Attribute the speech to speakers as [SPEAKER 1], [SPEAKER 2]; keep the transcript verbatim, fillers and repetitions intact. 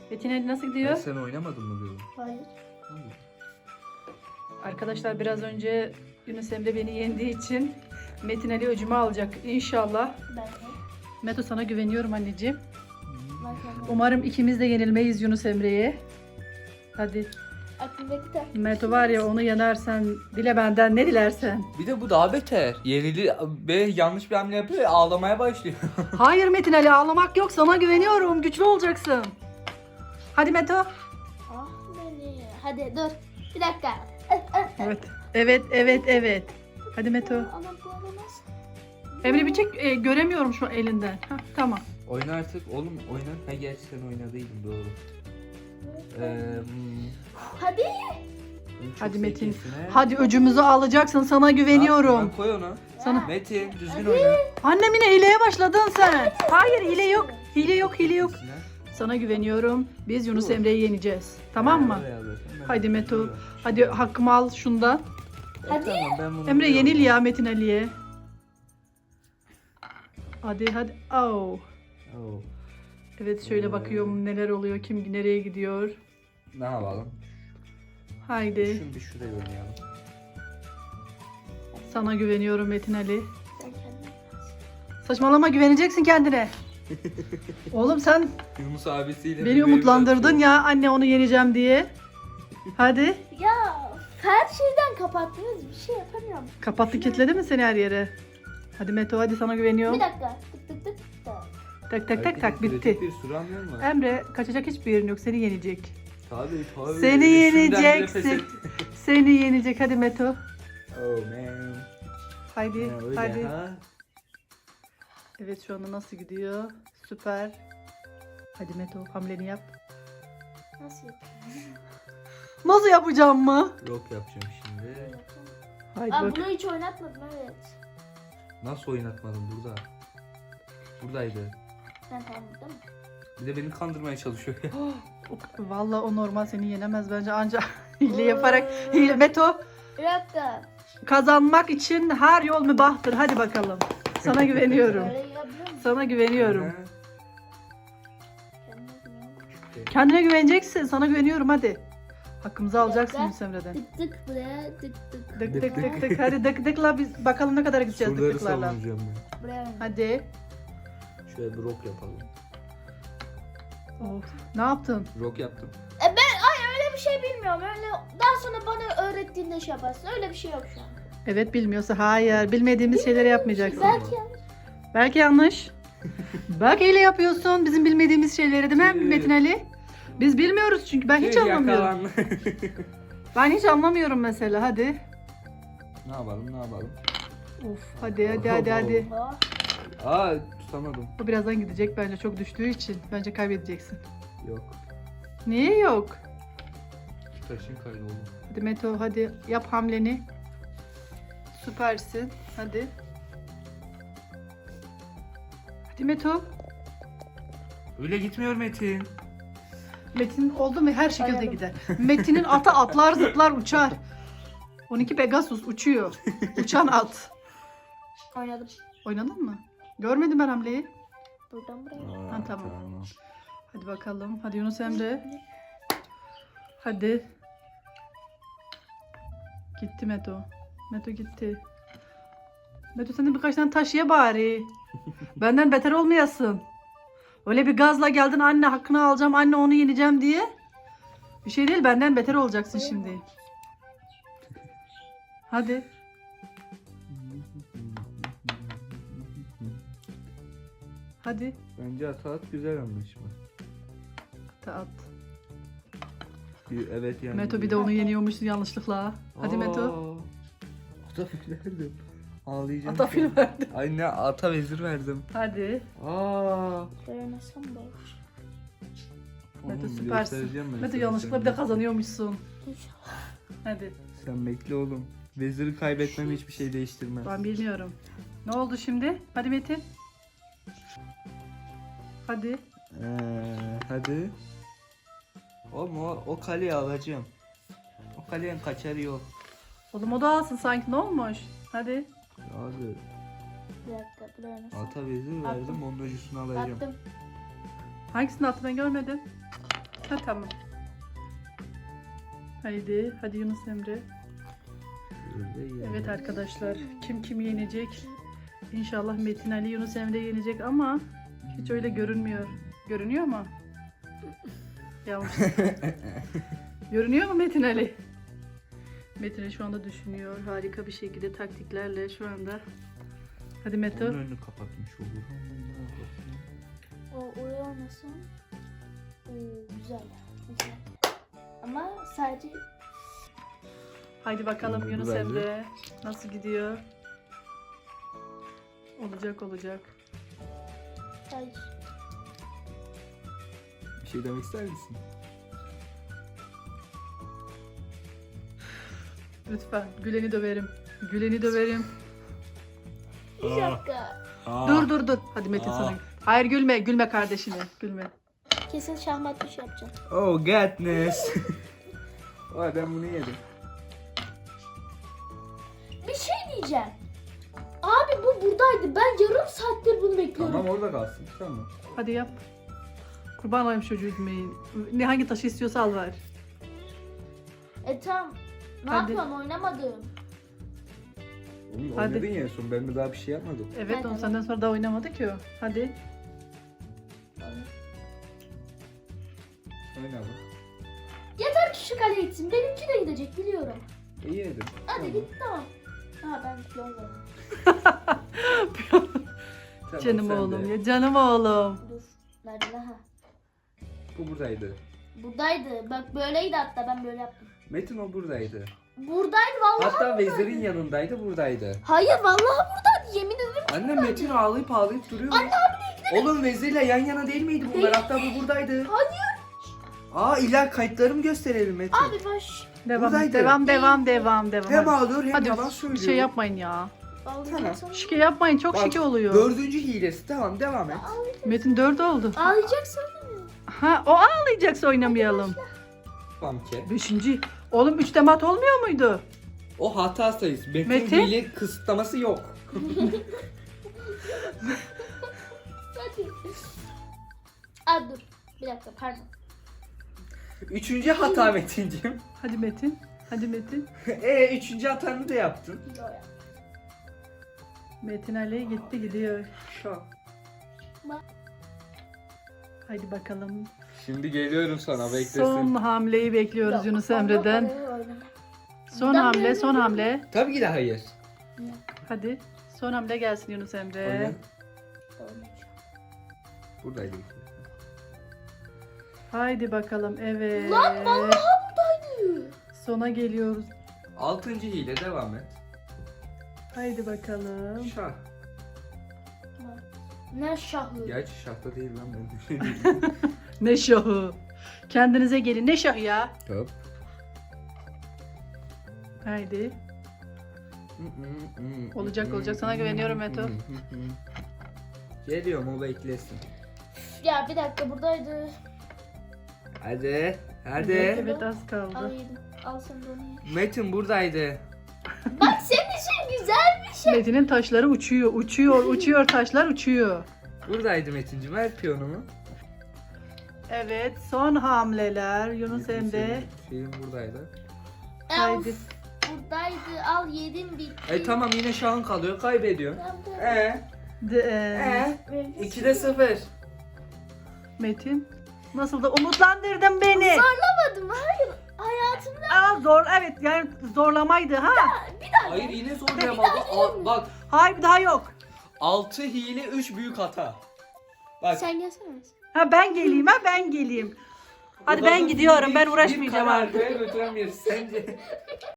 [SPEAKER 1] Metin Ali nasıl
[SPEAKER 2] Ben
[SPEAKER 1] gidiyor?
[SPEAKER 2] sen oynamadın mı diyorum.
[SPEAKER 3] Hayır.
[SPEAKER 1] Arkadaşlar biraz önce Yunus Emre beni yendiği için Metin Ali öcümü alacak inşallah.
[SPEAKER 3] Ben de.
[SPEAKER 1] Meto sana güveniyorum anneciğim.
[SPEAKER 3] Ben de.
[SPEAKER 1] Umarım ikimiz de yenilmeyiz Yunus Emre'ye. Hadi
[SPEAKER 3] Aklımdaki de.
[SPEAKER 1] Meto var ya, onu yenersen dile benden ne dilersen.
[SPEAKER 2] Bir de bu daha beter. Yenili ve yanlış bir hamle yapıyor ya, ağlamaya başlıyor.
[SPEAKER 1] Hayır Metin Ali, ağlamak yok, sana güveniyorum, güçlü olacaksın. Hadi Meto.
[SPEAKER 3] Ah beni. Hadi dur. Bir dakika.
[SPEAKER 1] Evet. Evet evet evet. Hadi Meto.
[SPEAKER 3] Ama bu olamaz.
[SPEAKER 1] Emre bir çek, e, göremiyorum şu elinden. Hah, tamam.
[SPEAKER 2] Oyna artık oğlum, oyna. Ha gerçi sen oynadıydın, doğru. Ee, hmm,
[SPEAKER 3] Hadi.
[SPEAKER 2] bunu çok
[SPEAKER 1] Hadi Metin.
[SPEAKER 2] zekisin, he.
[SPEAKER 1] Hadi öcümüzü alacaksın, sana
[SPEAKER 2] Ha,
[SPEAKER 1] güveniyorum.
[SPEAKER 2] ben koy onu.
[SPEAKER 1] Sana.
[SPEAKER 2] Metin düzgün oyna.
[SPEAKER 1] Annem yine hileye başladın sen. Hayır, hile yok. Hile yok, hile yok.
[SPEAKER 2] Düzgün, ha.
[SPEAKER 1] Sana güveniyorum. Biz Yunus Emre'yi yeneceğiz. Tamam mı?
[SPEAKER 2] Oraya bakın, ben
[SPEAKER 1] Hadi Meto.
[SPEAKER 2] biliyorum.
[SPEAKER 1] Hadi hakkımı al şundan.
[SPEAKER 2] E,
[SPEAKER 3] Hadi.
[SPEAKER 2] tamam, ben bunu
[SPEAKER 1] Emre
[SPEAKER 2] biliyorum.
[SPEAKER 1] yenil ya Metin Ali'ye. Hadi hadi. Oh.
[SPEAKER 2] Oo.
[SPEAKER 1] Evet, şöyle
[SPEAKER 2] Ee.
[SPEAKER 1] bakıyorum neler oluyor, kim nereye gidiyor.
[SPEAKER 2] Ne yapalım?
[SPEAKER 1] Haydi.
[SPEAKER 2] Şunu bir şuraya oynayalım.
[SPEAKER 1] Sana güveniyorum Metin Ali.
[SPEAKER 3] Sen kendin.
[SPEAKER 1] Saçmalama, güveneceksin kendine. Oğlum sen
[SPEAKER 2] Yunus abisiyle
[SPEAKER 1] beni
[SPEAKER 2] bir
[SPEAKER 1] umutlandırdın
[SPEAKER 2] meyve
[SPEAKER 1] ya, anne onu yeneceğim diye. Hadi.
[SPEAKER 3] Ya her şeyden kapattınız. Bir şey yapamıyorum.
[SPEAKER 1] Kapattı, kilitledi mi seni her yere? Hadi Meto, hadi sana güveniyorum.
[SPEAKER 3] Bir dakika. Tık tık tık. tık.
[SPEAKER 1] Tak tak tak tak,
[SPEAKER 2] Herkesin
[SPEAKER 1] bitti.
[SPEAKER 2] kritik bir sürü anlıyor musun?
[SPEAKER 1] Emre, kaçacak hiçbir yerin yok, seni yenecek.
[SPEAKER 2] Tabii tabii.
[SPEAKER 1] Seni
[SPEAKER 2] Üstünden bile
[SPEAKER 1] yeneceksin.
[SPEAKER 2] pes et.
[SPEAKER 1] Seni yenecek, hadi Meto.
[SPEAKER 2] Oh man.
[SPEAKER 1] Haydi,
[SPEAKER 2] Ha, öyle
[SPEAKER 1] hadi.
[SPEAKER 2] ha.
[SPEAKER 1] Evet, şu anda nasıl gidiyor? Süper. Hadi Meto, hamleni yap.
[SPEAKER 3] Nasıl yapayım?
[SPEAKER 1] Nasıl yapacağım mı?
[SPEAKER 2] Rock yapacağım şimdi.
[SPEAKER 1] Haydi
[SPEAKER 3] Aa,
[SPEAKER 1] bak.
[SPEAKER 3] bunu hiç oynatmadım, evet.
[SPEAKER 2] Nasıl oynatmadım burada? Buradaydı.
[SPEAKER 3] Ben tamam değil mi?
[SPEAKER 2] Bir de beni kandırmaya çalışıyor ya.
[SPEAKER 1] O- Vallahi o normal, seni yenemez bence, anca hile yaparak. Hile Meto,
[SPEAKER 3] Bir dakika.
[SPEAKER 1] kazanmak için her yol mübahtır. Hadi bakalım. Sana güveniyorum.
[SPEAKER 3] Böyle yapabiliyor musun?
[SPEAKER 1] Sana güveniyorum.
[SPEAKER 2] Ha,
[SPEAKER 3] Kendine güven.
[SPEAKER 1] Kendine güveneceksin. Sana güveniyorum, hadi. Hakkımızı alacaksın
[SPEAKER 3] dakika.
[SPEAKER 1] Yunus Emre'den.
[SPEAKER 3] Tık tık buraya tık tık.
[SPEAKER 1] Dık
[SPEAKER 2] Dık
[SPEAKER 1] dık
[SPEAKER 2] dık.
[SPEAKER 1] dık dık. Hadi dık dıkla, biz bakalım ne kadar gideceğiz dık
[SPEAKER 2] Surları
[SPEAKER 1] dıklarla.
[SPEAKER 2] savunacağım ben.
[SPEAKER 3] Buraya.
[SPEAKER 1] Hadi.
[SPEAKER 2] Şöyle bir rock yapalım.
[SPEAKER 1] Of. Ne yaptın?
[SPEAKER 2] Rock yaptım.
[SPEAKER 3] E ben ay öyle bir şey bilmiyorum. Öyle daha sonra bana öğrettiğinde şey yaparsın. Öyle bir şey yok şu an.
[SPEAKER 1] Evet, bilmiyorsa hayır. Bilmediğimiz şeyleri yapmayacaksın.
[SPEAKER 3] Belki yanlış.
[SPEAKER 1] Belki yanlış. Belki hile yapıyorsun. Bizim bilmediğimiz şeyleri, değil mi
[SPEAKER 2] Tüh.
[SPEAKER 1] Metin Ali? Biz bilmiyoruz çünkü, ben hiç
[SPEAKER 2] Tüh,
[SPEAKER 1] anlamıyorum.
[SPEAKER 2] yakalandı.
[SPEAKER 1] Ben hiç anlamıyorum mesela, hadi.
[SPEAKER 2] Ne yapalım ne yapalım?
[SPEAKER 1] Of, hadi hadi hadi hadi.
[SPEAKER 3] Oh.
[SPEAKER 2] Aa tutamadım.
[SPEAKER 1] Bu birazdan gidecek bence, çok düştüğü için. Bence kaybedeceksin.
[SPEAKER 2] Yok.
[SPEAKER 1] Niye yok?
[SPEAKER 2] Taşın kaydı oğlum.
[SPEAKER 1] Hadi Meto, hadi yap hamleni. Süpersin. Hadi. Hadi Meto.
[SPEAKER 2] Öyle gitmiyor Metin.
[SPEAKER 1] Metin oldu mu her şekilde
[SPEAKER 3] Oynadım.
[SPEAKER 1] gider. Metin'in atı atlar, zıplar, uçar. on iki Pegasus uçuyor. Uçan at.
[SPEAKER 3] Oynadım.
[SPEAKER 1] Oynadın mı? Görmedim ben hamleyi.
[SPEAKER 3] Buradan buraya.
[SPEAKER 2] Aa,
[SPEAKER 1] Ha, tamam. Hadi bakalım. Hadi Yunus Emre. Hadi. Gitti Meto. Meto gitti. Meto, sen de birkaç tane taş ye bari. Benden beter olmayasın. Öyle bir gazla geldin, anne hakkını alacağım, anne onu yeneceğim diye. Bir şey değil, benden beter olacaksın şimdi. Hadi. Hadi.
[SPEAKER 2] Bence Ataat güzel anlaşma.
[SPEAKER 1] At, at.
[SPEAKER 2] Bir, evet yani.
[SPEAKER 1] Meto bir de onu yeniyormuşsun yanlışlıkla. Hadi Meto.
[SPEAKER 2] Ata fil verdim. Ağlayacağım.
[SPEAKER 1] Ata fil verdim.
[SPEAKER 2] Ay ne, ata vezir verdim.
[SPEAKER 1] Hadi.
[SPEAKER 2] Aa.
[SPEAKER 3] Böyle nasıl boş.
[SPEAKER 1] Meto
[SPEAKER 2] Oğlum,
[SPEAKER 1] süpersin.
[SPEAKER 2] göstereceğim ben
[SPEAKER 1] Meto
[SPEAKER 2] sana
[SPEAKER 1] yanlışlıkla
[SPEAKER 2] sen.
[SPEAKER 1] bir de kazanıyormuşsun.
[SPEAKER 3] İnşallah.
[SPEAKER 1] Hadi.
[SPEAKER 2] Sen bekle oğlum. Veziri kaybetmem hiçbir şey değiştirmez.
[SPEAKER 1] Ben bilmiyorum. Ne oldu şimdi? Hadi Metin. Hadi.
[SPEAKER 2] Ee, hadi. Oğlum o, o kaleyi alacağım. O kalenin kaçarı yok.
[SPEAKER 1] Oğlum o da alsın sanki, ne olmuş? Hadi.
[SPEAKER 2] Abi
[SPEAKER 3] Bir dakika buraya nasıl?
[SPEAKER 2] ata vezir verdim, onun öcüsünü alacağım.
[SPEAKER 3] Attım.
[SPEAKER 1] Hangisini attı, ben görmedim. Ha tamam. Haydi, hadi Yunus Emre. Evet arkadaşlar, kim kimi yenecek? İnşallah Metin Ali Yunus Emre yenecek ama hiç öyle görünmüyor. Görünüyor mu? Yanlış. Görünüyor mu Metin Ali? Metin Ali şu anda düşünüyor. Harika bir şekilde taktiklerle şu anda. Hadi Meto.
[SPEAKER 2] Onun önünü kapatmış olur.
[SPEAKER 3] O oraya olmasın. Oo, güzel. Güzel. Ama sadece
[SPEAKER 1] Haydi bakalım
[SPEAKER 2] Oldu
[SPEAKER 1] Yunus
[SPEAKER 2] bence.
[SPEAKER 1] Emre. Nasıl gidiyor? Olacak olacak.
[SPEAKER 3] hayır.
[SPEAKER 2] Bir şey demek ister misin?
[SPEAKER 1] Lütfen Gülen'i döverim. Gülen'i döverim.
[SPEAKER 3] Bir dakika.
[SPEAKER 1] Dur dur dur. Hadi Metin
[SPEAKER 2] Aa.
[SPEAKER 1] sana. Hayır gülme. Gülme kardeşine. Gülme.
[SPEAKER 3] Kesin şahmat bir şey yapacağım.
[SPEAKER 2] Oh goodness. Vay ben bunu yedim.
[SPEAKER 3] Bir şey diyeceğim. Abi bu buradaydı. Ben yarım saattir bunu bekliyorum.
[SPEAKER 2] Tamam orada kalsın. Tamam.
[SPEAKER 1] Hadi yap. Kurban olayım çocuğu üzmeyin. Ne hangi taşı istiyorsa al ver.
[SPEAKER 3] E tamam. Ne
[SPEAKER 1] Hadi.
[SPEAKER 3] yapıyorsun? Oynamadım.
[SPEAKER 2] Oğlum
[SPEAKER 1] Hadi.
[SPEAKER 2] oynadın ya en son ben de daha bir şey yapmadım.
[SPEAKER 1] Evet
[SPEAKER 3] Hadi
[SPEAKER 1] onu
[SPEAKER 3] bak.
[SPEAKER 1] senden sonra da oynamadı ki o. Hadi.
[SPEAKER 2] Oyna bak.
[SPEAKER 3] Yeter ki şu kaleye gitsin. Benimki de gidecek biliyorum.
[SPEAKER 2] İyi yedim.
[SPEAKER 3] Hadi
[SPEAKER 2] Tamam.
[SPEAKER 3] git tamam. Ha ben yollarım.
[SPEAKER 2] Tamam,
[SPEAKER 1] Canım
[SPEAKER 2] sen
[SPEAKER 1] oğlum
[SPEAKER 2] de.
[SPEAKER 1] ya. Canım oğlum.
[SPEAKER 3] Dur. Nerede ha?
[SPEAKER 2] Bu buradaydı.
[SPEAKER 3] Buradaydı. Bak böyleydi hatta ben böyle yaptım.
[SPEAKER 2] Metin o buradaydı.
[SPEAKER 3] Buradaydı vallahi.
[SPEAKER 2] Hatta
[SPEAKER 3] buradaydı.
[SPEAKER 2] Vezir'in yanındaydı buradaydı.
[SPEAKER 3] Hayır vallahi buradaydı. Yemin ederim.
[SPEAKER 2] Anne Metin ağlayıp ağlayıp duruyor.
[SPEAKER 3] Anne abi
[SPEAKER 2] Oğlum Vezir'le yan yana değil miydi bunlar?
[SPEAKER 3] Değil.
[SPEAKER 2] Hatta bu buradaydı.
[SPEAKER 3] Hayır.
[SPEAKER 2] Aa illa kayıtlarımı gösterelim Metin.
[SPEAKER 3] Abi baş.
[SPEAKER 1] Devam
[SPEAKER 2] Buradaydı.
[SPEAKER 1] devam devam devam devam.
[SPEAKER 2] Hem
[SPEAKER 1] Hadi.
[SPEAKER 2] ağlıyor hem
[SPEAKER 1] Hadi
[SPEAKER 2] yalan
[SPEAKER 1] bir
[SPEAKER 2] söylüyor.
[SPEAKER 1] şey yapmayın ya.
[SPEAKER 2] Tamam.
[SPEAKER 1] Şike yapmayın çok
[SPEAKER 2] Bak,
[SPEAKER 1] şike oluyor.
[SPEAKER 2] Dördüncü hilesi. Tamam devam et.
[SPEAKER 1] Metin dört oldu.
[SPEAKER 3] Ağlayacaksın.
[SPEAKER 1] Ha o ağlayacaksa oynamayalım.
[SPEAKER 2] Tamam ki.
[SPEAKER 1] Beşinci. Oğlum üçte mat olmuyor muydu?
[SPEAKER 2] O hata sayısı. Metin,
[SPEAKER 1] Metin?
[SPEAKER 2] hile kısıtlaması yok.
[SPEAKER 3] Hadi. Aa dur. Bir dakika pardon.
[SPEAKER 2] Üçüncü hata Metin'cim.
[SPEAKER 1] Hadi Metin. Hadi Metin.
[SPEAKER 2] e üçüncü hatanı da yaptın.
[SPEAKER 3] Yo ya.
[SPEAKER 1] Metin Ali gitti gidiyor.
[SPEAKER 2] Şu.
[SPEAKER 1] Haydi bakalım.
[SPEAKER 2] Şimdi geliyorum sana beklesin.
[SPEAKER 1] Son hamleyi bekliyoruz
[SPEAKER 3] Yok,
[SPEAKER 1] Yunus
[SPEAKER 3] ondan
[SPEAKER 1] Emre'den.
[SPEAKER 3] oraya oynama.
[SPEAKER 1] Son
[SPEAKER 3] Ben
[SPEAKER 1] hamle,
[SPEAKER 3] böyle
[SPEAKER 1] son hamle.
[SPEAKER 2] Tabii ki de hayır.
[SPEAKER 1] Hadi. Son hamle gelsin Yunus
[SPEAKER 2] Oyna.
[SPEAKER 1] Emre.
[SPEAKER 3] Oynayacağım.
[SPEAKER 2] Buradaydı.
[SPEAKER 1] Haydi bakalım. Evet.
[SPEAKER 3] Lan vallahi buradaydı.
[SPEAKER 1] Sona geliyoruz.
[SPEAKER 2] Altıncı hile devam et.
[SPEAKER 1] Haydi bakalım.
[SPEAKER 2] Şah.
[SPEAKER 3] Ne şahı.
[SPEAKER 2] Gerçi şahta değil lan ben bir şey değilim.
[SPEAKER 1] Ne şahı. Kendinize gelin. Ne şahı ya?
[SPEAKER 2] Hop.
[SPEAKER 1] Haydi. Olacak, olacak. Sana güveniyorum Meto.
[SPEAKER 2] Geliyorum o beklesin.
[SPEAKER 3] Ya bir dakika buradaydı.
[SPEAKER 2] Hadi. Hadi.
[SPEAKER 1] Evet, evet az
[SPEAKER 3] Al
[SPEAKER 1] kaldı.
[SPEAKER 3] yedim. Al sen de onu ye.
[SPEAKER 2] Metin buradaydı.
[SPEAKER 3] Bak senin için güzel bir şey.
[SPEAKER 1] Metin'in taşları uçuyor, uçuyor, uçuyor. Taşlar uçuyor.
[SPEAKER 2] Buradaydı Metin'cim. Ver piyonumu.
[SPEAKER 1] Evet, son hamleler. Yunus Emre.
[SPEAKER 2] Film buradaydı.
[SPEAKER 1] Haydi.
[SPEAKER 3] Of, buradaydı. Al yedim bitti.
[SPEAKER 2] E tamam yine şahın kalıyor. Kaybediyorsun.
[SPEAKER 3] Tamam,
[SPEAKER 2] E
[SPEAKER 1] De, e,
[SPEAKER 2] e ikide sıfır.
[SPEAKER 1] Metin. Nasıl da umutlandırdın beni.
[SPEAKER 3] Zorlamadım. Hayır. Hayatımda
[SPEAKER 1] Aa, zor, evet yani zorlamaydı ha.
[SPEAKER 3] bir daha.
[SPEAKER 2] Hayır yine zorlayamadı. Al, bak
[SPEAKER 1] Hayır bir daha yok.
[SPEAKER 2] altı hile üç büyük hata. Bak.
[SPEAKER 3] Sen gelsene.
[SPEAKER 1] Ha ben geleyim ha ben geleyim. Hadi ben gidiyorum ben uğraşmayacağım
[SPEAKER 2] artık.
[SPEAKER 1] artık.
[SPEAKER 2] Bir karar götüremiyoruz sence.